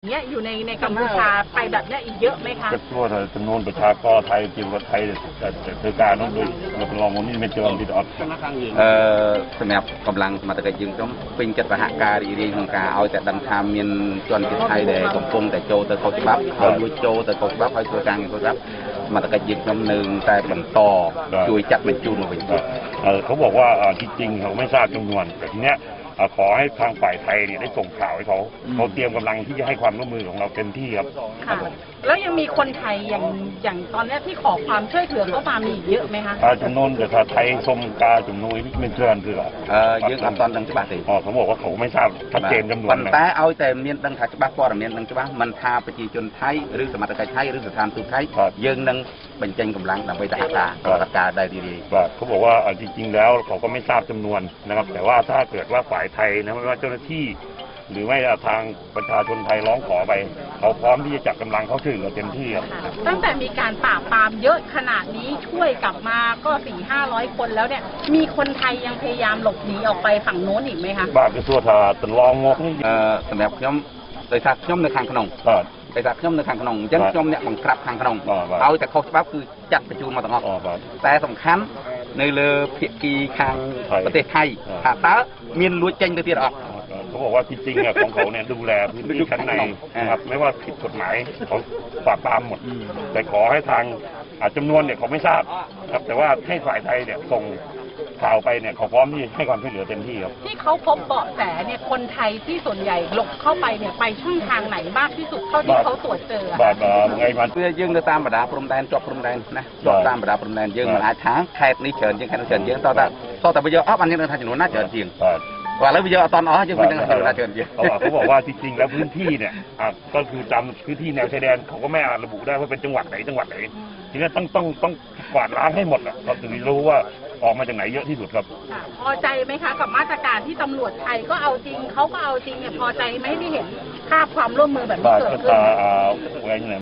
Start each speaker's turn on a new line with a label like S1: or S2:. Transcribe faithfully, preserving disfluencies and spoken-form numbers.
S1: เนี้ยอยู่ในในกัมพูชาไปแบบเนี้ยอีกเยอะไหมคะ
S2: จะทั่วจำนวนประชากรไทยจีนกับไทยแต่เธอการต้องด้วยเราลองมันนี่เป็นเจริญที่ออด
S3: เอ่อสำหรับกำลังมาตะกี้ยังต้องเป็นจัดประหารการเรียนของการเอาแต่ดังทำเมียนจนที่ไทยแต่กำปงแต่โจแต่เขาจะรับเขาลุยโจแต่เขาจะรับเขาตัวกลางเขารับมาตะกี้ยังจำหนึ่งแต่บันต่อช่วยจัดเป็นจูนมาเป็นจุด
S2: เขาบอกว่าจริงๆเขาไม่ทราบจำนวนแต่ทีเนี้ยขอให้ทางฝ่ายไทยเนี่ยได้ส่งข่าวให้เขาเขาเตรียมกำลังที่จะให้ความร่วมมือของเราเต็มที่ครับ
S1: ค่ะแล้วยังมีคนไทยอย่างอย่างตอนนี้ที่ขอความช่วยเหลือเข้ามามีเยอะไหมคะ
S2: จำนวนแต่ไทยชมกาจำนวนนี่เป็นเพื่อนคือ
S3: เออเยอะตอนดังฉบับสิ
S2: อ๋อเขาบอกว่าเขาไม่ทราบชัดเจนจำนวน
S3: แต่เอาแต่เมียนดังฉบับปอร์เมียนดังฉบับมันทาประชาชนไทยหรือสมัครใจไทยหรือสถานทูตไทยยังดังเป็นเจงกำลังดังไปตาตาตาตาได้ดี
S2: ๆเขาบอกว่าจริงๆแล้วเขาก็ไม่ทราบจำนวนนะครับแต่ว่าถ้าเกิดว่าฝ่ายไทยนะไม่ว่าเจ้าหน้าที่หรือไม่ทางประชาชนไทยร้องขอไปเขาพร้อมที่จะจัดกำลังเขาถึงเต็มที่ครับ
S1: ตั้งแต่มีการปราบปรามเยอะขนาดนี้ช่วยกลับมาก็สี่ห้าร้อยคนแล้วเนี่ยมีคนไทยยังพยายามหลบหนีออกไปฝั่งโน้นอีกไหมคะ
S2: บ้านก็ทั่วทาตลองงก
S3: เอ่อสำหรับย่อมโดยทางย่อมในทางขนมโดยทางย่อมในทางขนมยันย่อมเนี่ยบังคับทางขนมเอาแต่เขาฉบับคือจัดประชุมมาต่างหากแต่สำคัญในเรือเพียกีทางประเทศไทยถ้าตาเมียนลุ้ยเจงไปที่ออก
S2: เขาบอกว่าจริงๆของเขาเนี่ยดูแลพื้นที่ชั้นในนะครับไม่ว่าผิดกฎหมายเขาปราบปรามหมดแต่ขอให้ทางจำนวนเนี่ยเขาไม่ทราบครับแต่ว่าให้ฝ่ายไทยเนี่ยส่งข่าวไปเนี่ยเขาพร้อมที่ให้ความช่วยเหลือเต็มที่ครับ
S1: ที่เขาพบเบาะแสเนี่ยคนไทยที่ส่วนใหญ่หลบเข้าไปเนี่ยไปช่องทางไหนมากที่สุดเท่าที่เขาตรวจเจอบ
S2: าดไงมัน
S3: เพื่อยื่นตามบรรดาพรมแดนจบพรมแดนนะจบตามบรรดาพรมแดนยื่นมาหลายทางแคบนี้เฉินยังแค่เฉินยังต่อแต่ต่อแต่ไปเยอะอ้าวอันนี้เราทำจำนวนน่าเฉินจริงว่าแล้ววิดีโอตอนอ๋อยังเป็นยังไงเราเชิญเยอะ
S2: เขาบอกว่าจริงๆแล้วพื้นที่เนี่ยก็คือจำพื้นที่แนวชายแดนเขาก็ไม่อาจระบุได้ว่าเป็นจังหวัดไหนจังหวัดไหนทีนี้ต้องต้องต้องกวาดล้างให้หมดอ่ะเราถึงรู้ว่าออกมาจากไหนเยอะที่สุดครับ
S1: พอใจไหมคะกับมาตรการที่ตำรวจไทยก็เอาจริงเขาก็เอาจริงเนี่ยพอใจไหมที่เห็นภาพความร่วมมือแบบนี้เกิดขึ้น